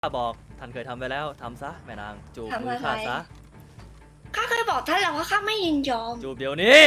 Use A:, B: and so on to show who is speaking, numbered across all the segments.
A: ข้าบอกท่านเคยทำไปแล้วทำซะแม่นางจูบมือ
B: ทำอะไร
A: ข้าซะ
B: ข้าเคยบอกท่านแล้วว่าข้าไม่ยินยอม
A: จูบเดี๋ยวนี้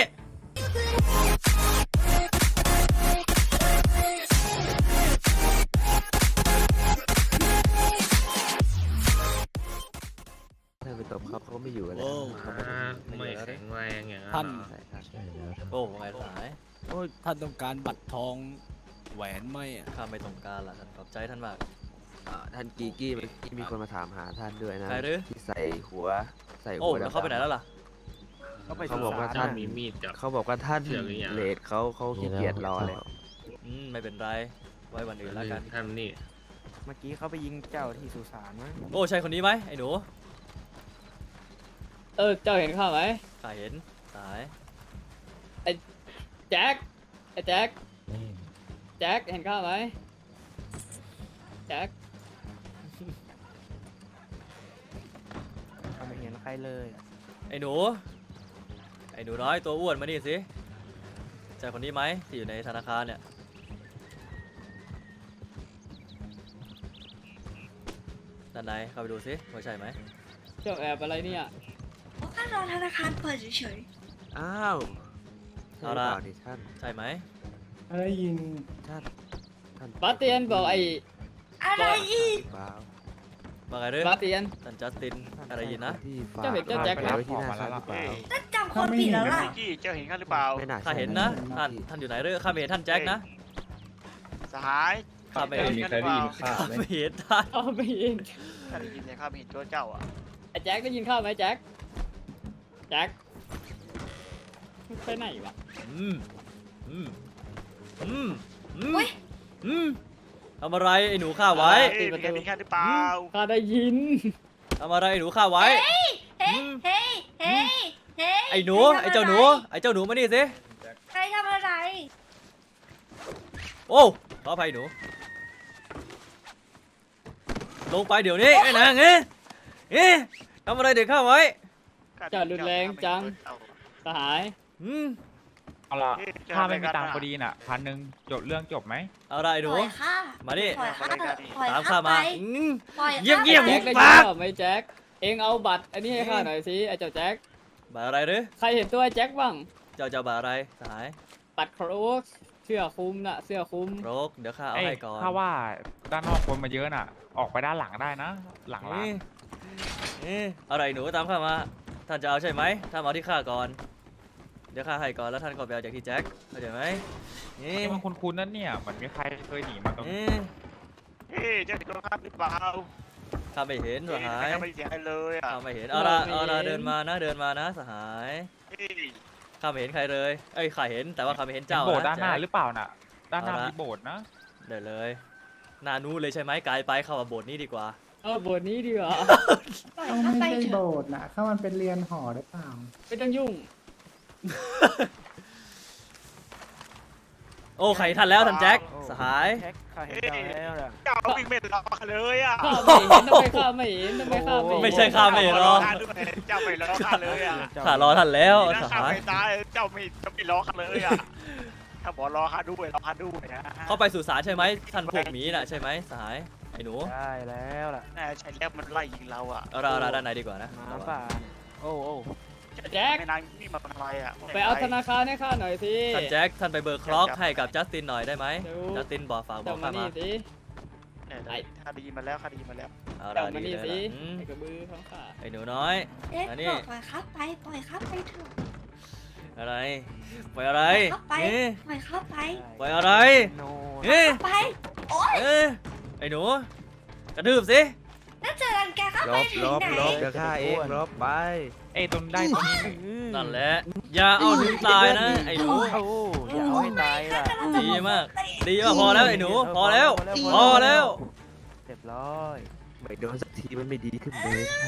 C: ถ้าไปตบเขาไม่อยู่กันแล้วเขา
D: ไม่แข็งแรงอย่าง
E: ท่าน
C: ใช่แล้ว
A: โอ้ไงสาย
E: โอ้ยท่านต้องการบัตรทองแหวนไหมอ่ะ
A: ข้าไม่ต้องการละท่านขอบใจท่านมาก
C: ท่านกีกี้เมื่อกี้มีคนมาถามหาท่านด้วยนะ
A: ใครหรือ
C: ที่ใส่หัว
A: โอ้แล้วเข้าไปไหนแล้วล่ะ
C: เขาบอกว่า
D: ท่า
C: ท่าน น
D: มีมีดกับ
C: เขาบอกว่าท่าน
D: เสือกหรือยัง
C: เลทเขาขี้เกียจรอแล้ว
A: ไม่เป็นไรไว้วันอื่นแล้วกัน
D: ท่านนี่
F: เมื่อกี้เขาไปยิงเจ้าที่สุสานมั้ง
A: โอ้ใช่คนนี้ไหมไอ้หนู
G: เจ้าเห็นข้าไหม
A: ข้าเห็นสาย
G: แจ็คไอ้แจ็คแจ็คเห็นข้าไหมแจ็ค
F: เขาไม่เห็นใครเลย
A: ไอ้หนูน้อยตัวอ้วนมานี่สิใช่คนนี้ไหมที่อยู่ในธนาคารเนี่ยด้านในเข้าไปดูสิว่าใช่ไหม
G: เจ้าแอบอะไรเนี่ย
B: เพราะข้ารอธนาคารเปิดเฉย
C: อ้าวใช่หรือเปล่านี่ท่าน
A: ใช่ไหม
H: ได้ยิน
C: ท่าน
G: บาสเตียนบอกไอ้
B: ๆอะไรอีก
C: เปล่า
A: ว่าไงเด้อบ
G: าสเตียน
A: ท่านจัสตินอะไรยินนะ
C: ที่ฝาก
G: เจ้าเห็นเจ้าแจ็คไหม
C: ไว้ที่หน้าท่านหรือเปล่า
B: ท่านจำคนผิดแล้วล่ะ
I: กี้เจ้าเห็นข้าหรือเปล่า
C: ไม่น่า
A: ข้า
C: ใช่
A: เห็นนะท่านอยู่ไหนเด้อข้าไม่เห็นท่านแจ็คนะ
I: สหาย
A: ข้าไม่
I: เจ้า
A: เห็น
I: เห็นข้าหรือเปล่า
A: ไม่เห็นท่าน
G: ข้าไม่เห็น
I: ข้าได้ยินเนี่ยข้าไม่เห็นตัวเจ้าอ่ะ
G: ไอ้แจ็คได้ยินข้าไหมแจ็คแจ็คไปไหนวะ
A: อืมอืมอืมอืม
B: อุ๊ย
A: อืมทำอะไรไอ้หนูข้าไว้
I: เฮ้ยมีใครมีข้าหรือเปล่า
G: ข้าได้ยิน
A: ทำอะไรไอ้หนูข้าไว้
B: เฮ้ย เฮ้ย เฮ้ย เฮ้ย
A: ไอ้หนู
B: ใคร
A: ไอ้
B: ทำะร
A: เจ้าหนูไอ้เจ้าหนูมานี่สิ
B: ใครทำอะไร
A: โอ้ขออภัยหนูลงไปเดี๋ยวนี้ไอ้นางทำอะไรเด็กข้าไว้
G: เจ้ารุนแรงจัง สหาย
A: อืม
F: เอาล่ะ
I: เฮ้ยเจ้
F: ถ้าไม่มี
I: ทำอะร
F: ตังค์
I: กัน
F: พอดีน่ะ1,000จบเรื่องจบไหม
A: เอาละไอ้หนู
B: ปล่อยข้า
A: มาดิ
B: ปล่อยข้าปล่อย
A: ตาม
B: ข้า
A: ข้า
B: ไป
A: มา
B: ปล่อย
A: เยี่ยม
B: ข้า
A: เยี่ยม
B: ไป
G: แจ็คได้ยิน
A: ปาก
G: ข้าไหมแจ็คเองเอาบัตรอันนี้ให้ข้าหน่อยสิไอ้เจ้าแจ็ค
A: บาอะไรหรือ
G: ใครเห็นตัวไอ้แจ็คบ้าง
A: เจ้าบาอะไรสหาย
G: บัตรโครกเสื้อคลุมน่ะเสื้อคลุม
A: โรกเดี๋ยวข้าเอา
F: เอ้ย
A: ให้ก่อน
F: ถ้าว่าด้านนอกคนมาเยอะน่ะ ออกไปด้านหลังได้นะ หลังร้าน
A: อะไรหนูตามข้ามาท่านจะเอาใช่ไหมท่านมาเอาที่ข้าก่อนเดี๋ยวข้าให้ก่อนแล้วท่านก็ไปเอาจากที่แจ็คเข้าใจไหมนี่
F: นี่มันคุ้นๆนั่นเนี่ยเหมือนมีใครเคยหนีมาตรงนี้
I: เฮ้ยเจ้าเห็นตัวข้าหรือเปล่า
A: ข้าไม่เห็นสหาย
I: ข้าไม่ได้เสียงอะไรเลยอ่ะ
A: ข้าไม่เห็นเอาละเดินมานะสหาย
I: เฮ้ย
A: ข้าไม่เห็นใครเลยเอ้ยข้าเห็นแต่ว่าข้าไม่เห็น
F: เห็น
A: เจ้า
F: โบสถ์ด้านหน้า
A: แจ็ค
F: หรือเปล่าน่ะ ด้านหน้า
A: เอาละ
F: มีโบสถ์นะ
A: เดี๋ยวเลยหนานู้นเลยใช่ไหมไกลไปเข้ามาโบสถ์นี้ดีกว่า
G: เอาบทนี้ดีกว่า
B: ปล่อย
H: ต้อง
B: ข้า
H: ไม่
B: ไป
H: ใช่
B: เถ
H: โบ
B: อะ
H: สถ์นะถ้ามันเป็นเรียนหอหรือเปล่า
G: ไม่ต้องยุ่ง
A: โอ้ใครทันแล้วท่านแจ็คสหาย
F: แท็กข้าเห็นเจ้าแล้วล่ะ
I: เจ้าวิ่งไม่รอข้าเลยอ่ะ
G: ข้าไม่เห็นทำไมข้าไม่เห็นทำไมข้าไม่เห็น
A: ไม่ใช่ข้าไม่รอ
I: ข้าด้วยเจ้าไม่รอข้าเลยอ่ะ
A: ข้ารอท่านแล้ว
I: นี่
A: ส
I: นะข้า
A: หาย
I: ไม่ตายเจ้าไม่รอข้าเลยอ่ะถ้าบอกรอข้าด้วยรอข้าด้วยนะ
A: เข้าไปสู่ศาลใช่ไหมท่านพวกหมีน่ะใช่ไหมสหายไอ้หนู
F: ได้แล้วล่ะ
I: น่าใช่แล้วมันไล่ยิงเราอ่ะ
A: เอาละด้านในดีกว่านะ
F: หมาป่าโอ้โอ้
G: แจ็ค
I: ไม่นางนี่มาทำอะไรอ่ะ
G: ไปเอาธนาคารให้ข้าหน่อยสิ
A: ท่านแจ็คท่านไปเบิกคล็อกให้กับจัสตินหน่อยได้ไหม
G: เดี๋ยว
A: จัสตินบอกฝากบอ
G: เจ้าก มา
A: ข้ามา
G: นี่สิ
I: เนี่ยข้าดีมาแล้วข้าดีมาแล้ว
A: เอา
G: เจ้า
A: ละ
G: มา
A: ดี
G: นี่
A: เลย
G: สิ
A: ล่ะอืม
G: ไอ้กระบือของข้า
A: ไอ้หนูน้อย
B: เอ๊ะ
A: อันนี้
B: ปล่อยข้าไปปล่อยข้าไปเถอะ
A: อะไรปล่อยอะไร
B: เข้าไป
A: เอ๊ะ
B: ปล่อยข้าไป
A: ปล่อยอะไร
F: โน
A: เอ๊ะ
B: ไป โอ๊ย
A: เอ๊ะไอ้หนูกระทืบสิ
B: น่าจะรังแกข้า
C: ล
B: ไป
C: บ
B: ถึง
C: ลบ
B: ไหน
C: ลบเดี๋ยวข้าเองลบไป
F: เอ้ยตรงได้ตรงนี้
A: นั่นแหละอย่าเอาถึงตายนะไอ้หนู
F: โอ้อย่าเอาให้ตายล่ะ
A: ดีมากดีมากพอแล้วไอ้หนูพอแล้วพอแล้ว
F: เรียบร้อย
C: ไม่โดนสักทีมันไม่ดีขึ้นเลยท่าน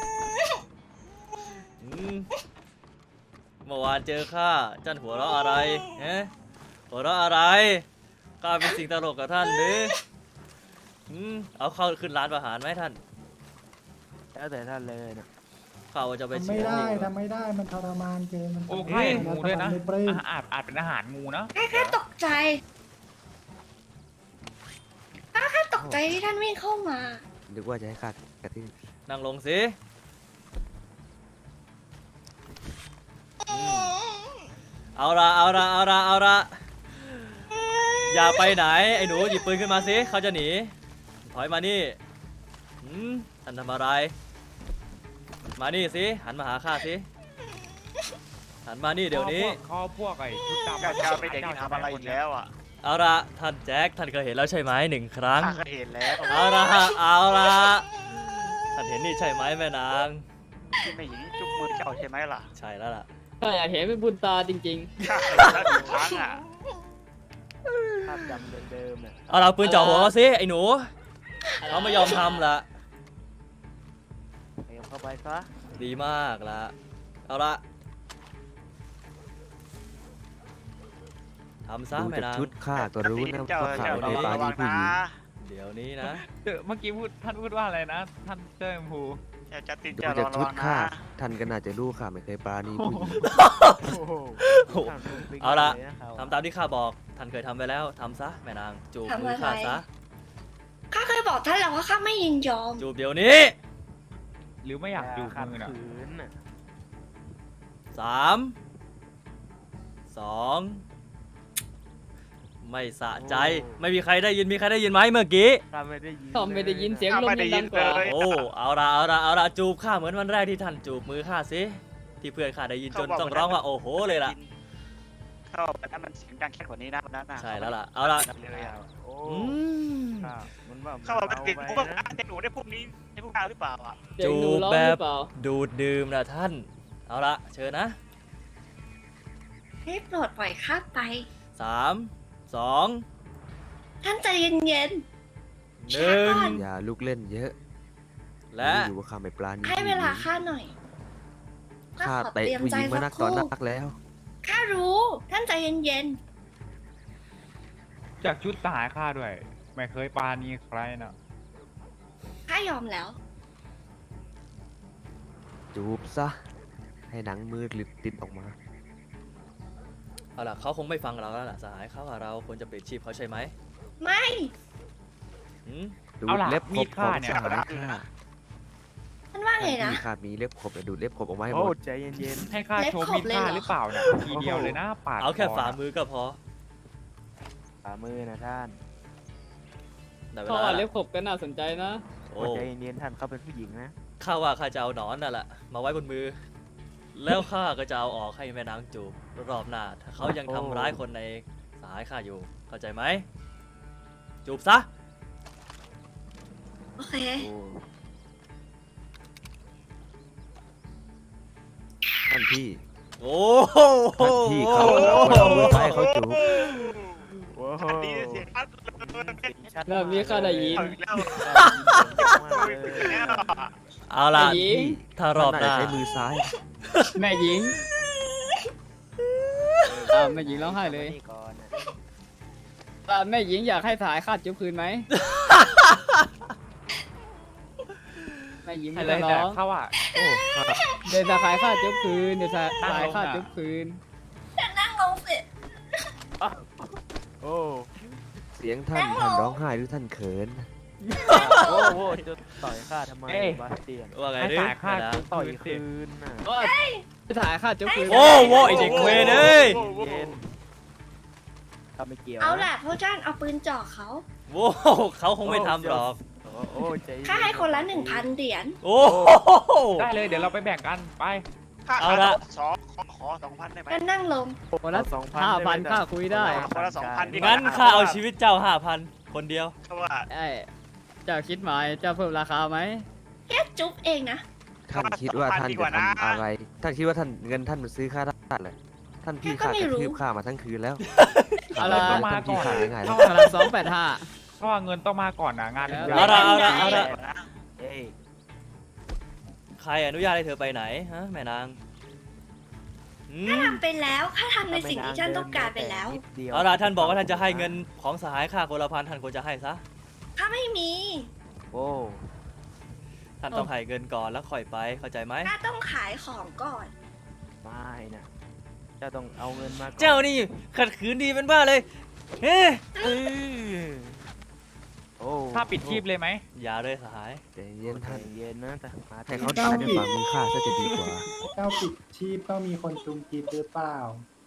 A: อืมเมื่อวานเจอข้าจันหัวเราะอะไรฮะหัวเราะอะไรข้าเป็นสิ่งตลกกับท่านหรือเอาเข้าขึ้นร้านอาหารไหมท่าน
F: แล้วแต่ท่านเลยนะ
A: ข้าว่าจะไป
H: ทำ
A: เชี
H: ไม่
A: ยร์
H: ได้
A: นี่
H: ทำไม่ได้มันทรมานเกินมัน
F: โอ้ข้าเห็นงูด้วยนะ
H: ไม่ปลื้ม
F: อาจเป็นอาหารงูนะ
B: ข้าตกใจข้าตกใจที่ท่านวิ่งเข้ามา
C: นึกว่าจะให้ค่ากระทืบ
A: นั่งลงสิเอาละอย่าไปไหนไอ้หนูหยิบปืนขึ้นมาสิเขาจะหนีถอยมานี่ท่านทำอะไรมานี่สิหันมาหาข้าสิหันมานี่เดี๋ยวนี้
F: ข้อพวกไอ้ชุดดำ
I: เจ้าไม่เด็กที่ทำอะไรอีกแล้วอ่ะ
A: เอาละท่านแจ็คท่านเคยเห็นแล้วใช่ไหม1 ครั้ง
I: ข้าก็เห็นแล้ว
A: เอาละท่านเห็นนี่ใช่ไหมแม่นาง
I: ที่ไม่หญิงจุกมือเจ้าใช่ไหมล่ะ
A: ใช่แล้วล่ะ
G: ถ้าอยากเห็นเป็นบุญตาจริง
I: ข้าเคยเห็นแล้ว1 ครั้งอ่ะ
C: ภาพจำเดิมๆเนี่ย
A: เอาเราปืนจ่อหัวเขาสิไอ้หนู
G: ๆ
A: เขาไม่ยอมทำละ
C: เตรียมเข้าไปซะ
A: ดีมากละเอาละทำซะ
C: ดู
A: แม่
C: จาก
A: นาง
C: ชุดข้าก็รู้นะ
I: เจ้า
C: ว่าข้า
I: เจ้า
C: ไม่ได้ปรา
I: ระ
C: ณี
I: วัง
C: ผู้
I: นะ
C: หญิง
A: เดี๋ยวนี้นะ
F: เมื่อกี้ท่านพูดว่าอะไรนะ ท่านเจ้าชมพู
I: เจ้าจะติด
C: ดู
I: เจ้า
C: จาก
I: ระ
C: ชุ
I: วั
C: ด
I: ง
C: ข้า
I: นะ
C: ท่านก็น่าจะรู้ข้าไม่เคยปราณีผู้หญิง
A: เอาละทำตามที่ข้าบอกท่านเคยทำไปแล้วทำซะแม่นางจูบมือข้าซะ
B: ข้าเคยบอกท่านแล้วว่าข้าไม่ยินยอม
A: จูบเดี๋ยวนี้
F: หรือไม่อยากจูบมือน่ะ
A: 3 2 ไม่สะใจไม่มีใครได้ยินมีใครได้ยินไหมเมื่อกี้
G: เขาไม่ได้ยินเสียงลมยังดังกว่า
A: โอ้เอาละจูบข้าเหมือนวันแรกที่ท่านจูบมือข้าสิที่เพื่อนข้าได้ยินจนต้องร้องว่าโอ้โหเลยล่ะ
I: เข้าไปนั้นมันเสียงดังแค่กว่านี้นะวันนั้นน่ะ
A: ใช่แล้วล่ะเอาละ
I: เลยอ่ะ
A: อืม
I: เข้ามาเป็นติดพวกเด็กหนูได้พวกนี้ได้พวกเราหรือเปล่าอ่ะ
G: เสียงหนูร้องหรือเปล่า
A: ดูดดื่มนะท่านเอาละเชิญนะ
B: ให้โปรดปล่อยข้าไป
A: 3 2
B: ท่านใจเย็น
A: 1
C: อย่าลุกเล่นเยอะ
A: และ
C: รู้อยู่ว่าข้าไม่ปราณี
B: ๆ ให้เวลาข้าหน่อย
C: ข้า
B: ขอ
C: เตะ
B: เตรียม
C: ผู้ห
B: ใจ
C: ญิงมา
B: สั
C: นั
B: ก
C: ก
B: ค
C: ต่อ
B: รู่
C: นักแล้ว
B: ข้ารู้ท่านใจเย็น
F: จากชุดทหารข้าด้วย ไม่เคยปาณีใครน่ะ
B: ๆข้ายอมแล้ว
C: จูบซะ ให้หนังมือหลุดติดออกมา
A: เอาล่ะเขาคงไม่ฟังเราแล้วล่ะสหายเขาว่าเราควรจะเปลี่ยนชีพเขาใช่ไหม
B: ไม่
A: หืม
C: ดู
F: เอา
C: ด
F: ล่ะ
C: เล็บข
F: มี
C: บ
F: ด
C: ข
F: ข้า
C: อง
F: เนี่ย
C: สหายข้า
B: ท่านว่าไงนะ
C: ที่ข้ามีเล็บขบดูดเล็บขบออกมาให้หมด
J: ใจเย็น
F: ให้ข้า
B: เล็บ
F: โชว์
B: ขบ
F: มีด
B: เลย
F: ข้า
B: เหรอ
F: หรือเปล่าเนี่ยทีเดียวเลยนะปาด
A: เอาแค่
F: ค
A: ฝ่า
F: น่ะ
A: มือก็พอ
J: ๆฝ่ามือนะท่าน
A: ได้เว
G: เขา
A: ลา
G: ว่า
A: ละ
G: เล็บขบก็น่าสนใจนะ
A: โอ้
J: ใจเย็นๆท่านเขาเป็นผู้หญิงนะ
A: ข้าว่าข้าจะเอาหนอนนั่นแหละมาไว้บนมือ แล้วข้าก็จะเอาออกให้แม่นางจูบรอบหน้าถ้าเขายังทำร้ายคนในสหายข้าอยู่เข้าใจไหมจูบซะ
B: โอเค
C: โอ้ท่านพี่
A: โอ้โห
C: ท่านพี่เขาเอามือไปให้เขาจูบ
I: อันนี้เสียงชัด
G: เริ่มมีข้าได้ยิน
I: เอาอีกแล้ว
A: เอาล่ะ
G: ได้ยิน
C: พี่
A: ถ้ารอบหน้า
C: ท่ใช้มือซ้าย
G: แม่หญิงแม่หญิงร้องไห้เลยแม่หญิงอยากให้สายคาดจุ๊บคืนไหม แม่หญิง
F: ให้
G: ไม่
F: เล
G: ต้อย ง
F: แต่
G: ร้อง
F: เขาว่า
C: โอ้ข้า
G: เดี๋ยวสายคาดจุ๊บคืนเดี๋ยวสายคาดจุ๊บคืน
B: นั่งลงสิ
J: โอ้
C: เสียงท่านร้องไห้หรือท่านเขิน
J: โหจะต่อยข้าทำไมบาสเตียน
A: ว่าไง
F: ให้
A: ดิ
F: สายข้า
A: แม่นาง
F: จุ๊บ
J: ต่อย
F: คืนสิ
J: คืนน่ะ
G: ก็สายคาดจุ๊บคืน
A: โอ้โหไอเด็กเวรเอ้ย
J: เย็นข้าไม่เกี่ยว
B: เอาล่ะพวกท่านเอาปืนจ่อเขา
A: โว้เขาคงไม่ทำหรอก
J: โอ้ใจเย็น
B: ข้าให้คนละ 1,000 เหรียญ
A: โอ้โห
F: ได้เลยเดี๋ยวเราไปแบ่งกันไป
I: ค่า
A: เอาละ
I: ขอ2,000ได้ไหม
B: ก็นั่งลง
G: คนละ
J: 2,000
G: 5,000ค่าคุยได้
I: คนละ2,000ดีกว่า
A: งั้นข้าเอาชีวิตเจ้า 5,000 คนเดียว
I: เพราะว่า
G: ไอ้เจ้าคิดหมายเจ้าเพิ่มราคาไหม
B: แค่จุ๊บเองนะ
C: ท่านคิดว่าท่านจะทำอะไร ท่านคิดว่าท่านเงินท่านมันซื้อข้าได้เหรอท่านพี่ข้ากระทืบข้ามาทั้งคืนแล้ว
G: เอาละ
C: ท่านพี่ขาง่ายๆแล้ว
G: คนละ285
F: เพราะว่าเงินต้องมาก่อนนะงาน
G: เอา
A: เอาละ
J: เอ้ย
A: ใครอนุญาตให้เธอไปไหนฮะแม่นางอื
B: ข้าม ทำไปแล้วข้าทำในสิ่งที่ท่านต้องการไปแล้ว
A: เอาละท่านบอกว่าท่านจะให้เงินของสหายข้าคนละ1,000ท่านควรจะให้ซะ
B: ข้าไม่มี
J: โอ้
A: ท่านต้องให้เงินก่อนแล้วค่อยไปเข้าใจไหม
B: ข้าต้องขายของก่อน
J: ไม่นะเจ้าต้องเอาเงินมาก่อน
A: เจ้านี่ขัดขืนดีเป็นบ้าเลยเฮ้
J: เออโอ้
F: ถ้าปิดชีพเลยไหม
A: อย่าเลยสหาย
C: ใจเย็น
J: ใจ
C: ท่าน
J: เย็นนะแต่มา
C: ให้เขาตายด้วยความมีค่าซะจะดีกว่า
H: เจ้าปิดชีพต้องมีคนจุมกีบหรือเปล่า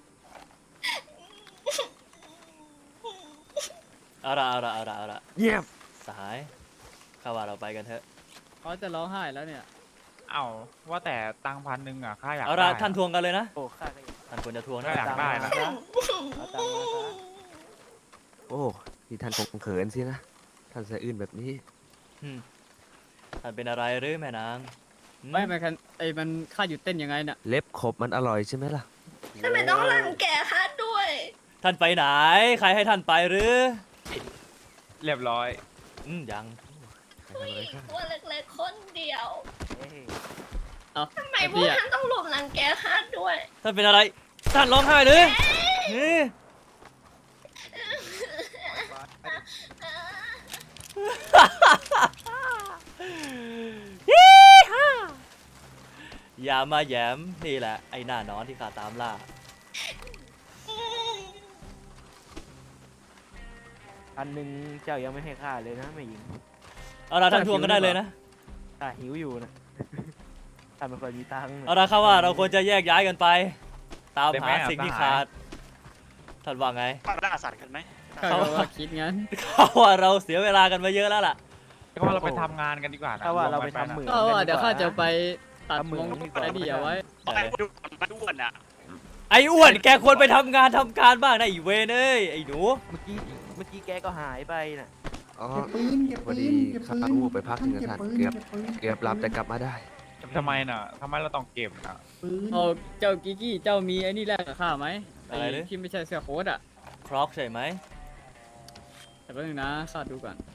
A: เอาละ
C: เงียบ
A: สหายข้าว่าเราไปกันเถอะ
G: เขาจะร้องไห้แล้วเนี่ย
F: เอ้าว่าแต่ตังค์1,000อ่ะข้าอยาก
A: เอาละ
F: ได้
A: ท่านทวงกันเลยนะ
J: โอ้ข้าก็อยาก
A: ท่านควรจะทวง
F: ก็
A: นะ
F: อยากได้นะ
J: เอาตังค์มาซะ
C: โอ้ที่ท่านคงเขินสินะ ท่านสะอื้นแบบนี้
A: อืมท่านเป็นอะไรหรือแม่นางหื
G: ไม่มันกันมันค่าหยุดเต้นยังไงเนี่ย
C: เล็บขบมันอร่อยใช่ไหมล่ะ
B: ทำไมต้องรังแกข้าด้วย
A: ท่านไปไหน ใครให้ท่านไปหรือ
F: เรียบร้อย
A: ยัง
B: ผู้หญิงตัวเล็กๆคนเดียว
J: เอ้ย
G: เอา
B: ทำไมพวกท่านต้องรุมรังแกข้าด้วย
A: ท่านเป็นอะไร ท่านร้องไห้หรือเฮ้ยอย่ามาแหยมนี่แหละ ไอ้หน้านอนที่ข้าตามล่า
J: 1,000เจ้ายังไม่ให้ข้าเลยนะแม่หญิง
A: เอาละท่านทวงกันได้เลยนะ
J: ข้าหิวอยู่นะ ข้าไม่ค่อยมีตังค์
A: เอาละครับว่าเราควรจะแยกย้ายกันไป ตาม
F: ได้ไห
A: หาม สิ่งที่
F: สหาย
A: ขาด ท่านว่าไง
I: มาล่าสัตว์กันไหม
G: ข้าก็ว่าคิดงั้น
A: เขาว่าเราเสียเวลากันมาเยอะแล้วล่ะ
F: ก็ว่าเราไปทำงานกันดีกว่านะ
J: ถ้าว่าเราไป
F: วมกัน
J: ทำเหมือง
G: ก็ว่าเดี๋ยวข้าจะไป
J: น
G: ตัด
J: ทำเหมื
G: ม
J: อง
G: ง
J: ดีกว่า
G: ไอ้นี่เอาไว้
I: เอาไปดูมาด้วนอ่ะ
A: ไอ้อ้วนแกควรไปทำงานทำการบ้างนะไอ้เวนเอ้ยไอ้หนู
J: เมื่อกี้แกก็หายไปน่ะ
C: อ๋อ
H: เก็บปืน เก็บ
C: พอ
H: ปื
C: ดี
H: น เก็บ
C: ข้า
H: ปืน
C: วูบไปพักหนึงนะท่าน
H: เก็บ
C: เกือบ
H: ปืน
C: เกือบหลับแต่กลับมาได้
F: ทำไมน่ะทำไมเราต้องเก็บน่ะ
H: ปืน
G: เอาเจ้ากิกกี้เจ้ามีไอ้นี่แลกกับข้าไหม
A: อะไรเลย
G: ที่ไม่ใช่เสื้อโค้ทอ่ะ
A: ครอกใช่ไหม
G: แต่แป๊บนึงนะข้าดูก่อน